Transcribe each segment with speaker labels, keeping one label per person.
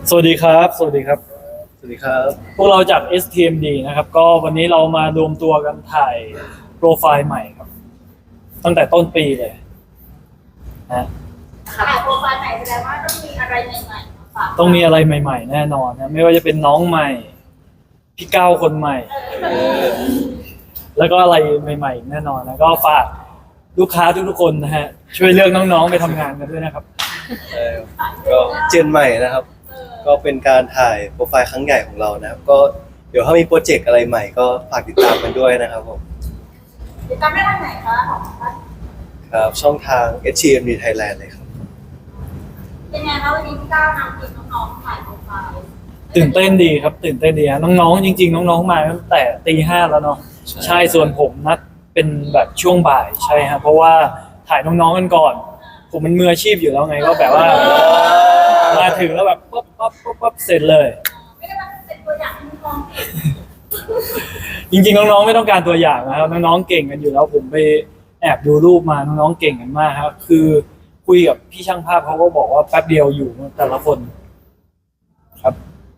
Speaker 1: สวัสดีครับ สวัสดีครับ
Speaker 2: สวัสดีครับ
Speaker 1: พวกเราจาก STMD นะครับ ก็วันนี้เรามารวมตัวกันถ่ายโปรไฟล์ใหม่ครับ ตั้งแต่ต้นปีเลยนะ
Speaker 3: ถ่ายโปรไฟล์ใหม่แสดงว่าต้องมีอะไรใหม่ๆมาฝาก
Speaker 1: ต้องมีอะไรใหม่ๆแน่นอนนะ ไม่ว่าจะเป็นน้องใหม่ พี่ก้าวคนใหม่ แล้วก็อะไรใหม่ๆแน่นอนนะก็ฝากลูกค้าทุกๆคนนะฮะ ช่วยเลือกน้องๆไปทำงานกันด้วยนะครับ
Speaker 2: ก็เจนใหม่นะครับ ก็เป็นการถ่ายโปรไฟล์ครั้งใหญ่ของเรานะครับ ก็เดี๋ยวถ้ามีโปรเจกต์อะไรใหม่ก็ฝากติดตามกันด้วยนะครับผม
Speaker 3: ติดตามได้ทางไหนคะของท่าน
Speaker 2: ครับช่องทาง HTMD Thailand เลยครับ
Speaker 3: เป็นไงคะวันนี้พี่ก้าวนำทีมน้องๆถ่ายโปรไฟล์
Speaker 1: ตื่นเต้นดีครับ ตื่นเต้นดีฮะน้องๆจริงๆน้องๆมาตั้งแต่ตี 5แล้วเนาะ ใช่ส่วนผมนัดเป็นแบบช่วงบ่ายใช่ครับเพราะว่าถ่ายน้องๆกันก่อน ผมมันมืออาชีพอยู่แล้วไงก็แบบว่า มาถึงแล้วแบบปั๊บเสร็จเลย
Speaker 3: ไม่ได้มาเป็นตัวอย่างให้น้องๆ
Speaker 1: จริงๆน้องๆไม่ต้องการตัวอย่างนะครับน้องๆเก่งกันอยู่แล้วผมไปแอบดูรูปมาน้องๆเก่งกันมากครับคือคุยกับพี่ช่างภาพเขาก็บอกว่าแป๊บเดียวอยู่แต่ละคนครับ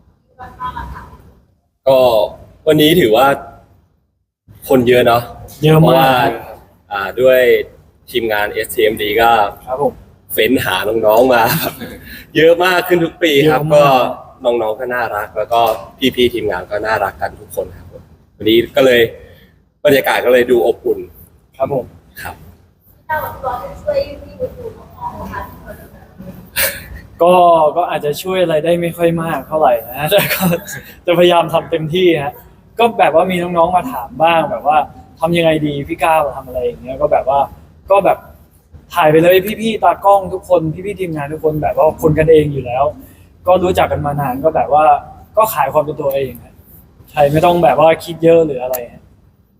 Speaker 4: ก็วันนี้ถือว่าคนเยอะเนาะ
Speaker 1: เยอะ
Speaker 4: เพราะ
Speaker 1: มา
Speaker 4: ว่าก ด้วยทีมงาน STMD ก็
Speaker 1: ครับผม
Speaker 4: เฟ้นหาน้องๆมา เยอะมากขึ้นทุกปีครับ
Speaker 1: เยอะมาก
Speaker 4: ก็น้องๆก็น่ารัก แล้วก็พี่ๆทีมงานก็น่ารักกันทุกคนครับผมวันนี้ก็เลยบรรยากาศก็เลยดูอบอุ่น
Speaker 1: ครับผม
Speaker 4: ครับ
Speaker 3: พี่ก้าวกับตัวจะช่วยพี่ดูน้องๆนะคะทุกคน
Speaker 1: ก็อาจจะช่วยอะไรได้ไม่ค่อยมากเท่าไหร่นะ แต่ก็จะพยายามทำเต็มที่ฮะก็แบบว่ามีน้องๆมาถามบ้างแบบว่าทำยังไงดีพี่ก้าวทำอะไรอย่างเงี้ยก็แบบว่าก็แบบถ่ายไปเลยพี่ๆตากล้องทุกคนพี่ๆทีมงานทุกคนแบบว่าคนกันเองอยู่แล้ว ก็รู้จักกันมานานก็แบบว่าก็ขายความเป็นตัวเองฮะใช่ไม่ต้องแบบว่าคิดเยอะหรืออะไรฮะ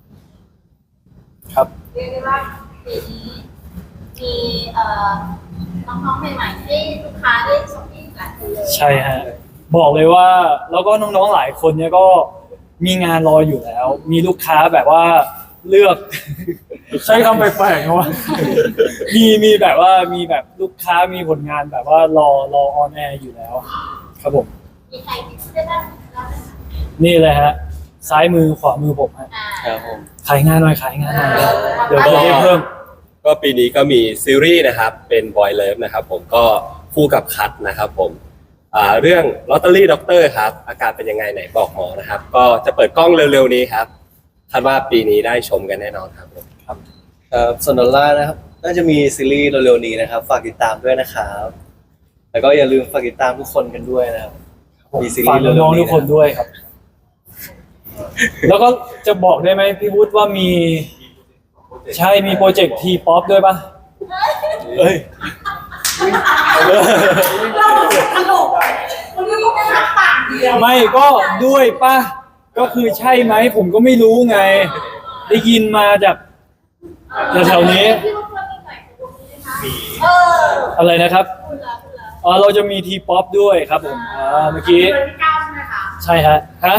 Speaker 1: ครับ
Speaker 3: เรียกได้ว่าปีนี้มีน้องๆใหม่ๆให้ลูกค้าได้ช้อปปิ้งหลายคนเลย
Speaker 1: ใช่ฮะบอกเลยว่าแล้วก็น้องๆหลายคนเนี่ยก็มีงานรออยู่แล้ว มีลูกค้าแบบว่าเลือก ใช้คำแปลกๆนะว่า มีแบบว่ามีแบบลูกค้ามีผลงานแบบว่ารอออนแอร์อยู่แล้ว ครับผม
Speaker 3: มีใครที่ช่วยได้แล้วไหมคะ
Speaker 1: นี่เลยฮะ ซ้ายมือขวามือผมฮะ
Speaker 2: ครับผม
Speaker 1: ขายงานหน่อยขายงานหน่อยเดี๋ยวจะได้เพิ่ม
Speaker 4: ก็ปีนี้ก็มีซีรีส์นะครับเป็น Boy Love นะครับผมก็คู่กับคัทนะครับผมเรื่องลอตเตอรี่ด็อกเตอร์ครับอาการเป็นยังไงไหนบอกหมอนะครับก็จะเปิดกล้องเร็วๆนี้ครับคาดว่าปีนี้ได้ชมกันแน่นอนครับผม
Speaker 2: ครับส่วนดอลลาร์นะครับ น่าจะมีซีรีส์เร็วๆนี้นะครับ ฝากติดตามด้วยนะครับ แล้วก็อย่าลืมฝากติดตามทุกคนกันด้วยนะครับ มีซีรี
Speaker 1: ฝาก
Speaker 2: ส์เร็วๆนี้
Speaker 1: น้องๆทุกคนด้วยครับ แล้วก็จะบอกได้ไหมพี่วุฒิว่ามี ใช่มีโปรเจกต์ทีป๊อปด้วยปะเอ้ย
Speaker 3: เราตลกมันไม่ต้องเป็นปากเดียว
Speaker 1: ไม่ก็ด้วยปะก็คือใช่ไหมผมก็ไม่รู้ไง ได้ยินมาจากแถวๆนี้
Speaker 3: พี่ว่าเพื่อนมีหน่อยตรงนี้นะคะ
Speaker 1: อะไรนะครับ
Speaker 3: คุณละ
Speaker 1: เราจะมีทีป๊อปด้วยครับผมเมื่อกี้
Speaker 3: เป็นพี่ก้าวใช่ไหมคะ
Speaker 1: ใช่ฮะ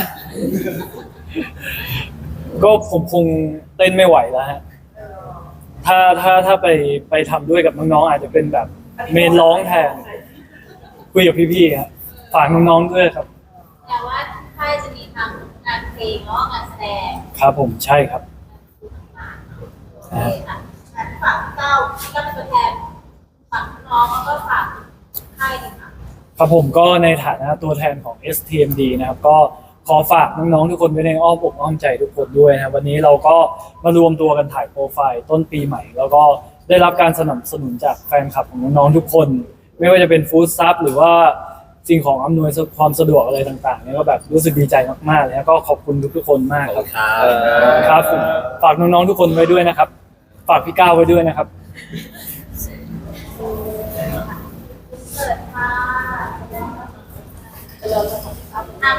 Speaker 1: ก็ผมคงเต้นไม่ไหวแล้วฮะถ้าไปทำด้วยกับน้องๆอาจจะเป็นแบบเมนร้องแทนคุยกับพี่ๆฮะฝากน้องๆด้วยครับ
Speaker 3: แต่ว่าค่ายจะมีทำงานเพลงแล้วก็งานแสดง
Speaker 1: ครับผมใช่ครับ
Speaker 3: โอเคค่ะงั้นฝากพี่ก้าวพี่ก้าวเป็นตัวแทนฝากน้องแล้วก็ฝากค่ายดีค่ะ
Speaker 1: ครับผมก็ในฐานะตัวแทนของ STMD นะครับก็ขอฝากน้องๆทุกคนไว้ในอ้อมอกอ้อมใจทุกคนด้วยนะครับวันนี้เราก็มารวมตัวกันถ่ายโปรไฟล์ต้นปีใหม่ แล้วก็ได้รับการสนับสนุนจากแฟนคลับของน้องๆทุกคน ไม่ว่าจะเป็นฟู้ดซับหรือว่าสิ่งของอำนวยความสะดวกอะไรต่างๆเนี่ยก็แบบรู้สึกดีใจมากๆเลยแล้วก็ขอบคุณทุกๆคนมาก
Speaker 4: ขอบ
Speaker 1: ครั
Speaker 4: คุ
Speaker 1: บ
Speaker 4: ณครับ
Speaker 1: ครับผมฝากน้องๆทุกคนไว้ด้วยนะครับ ฝากพี่ก้าวไว้ด้วยนะครับ
Speaker 3: เปิดค่ะ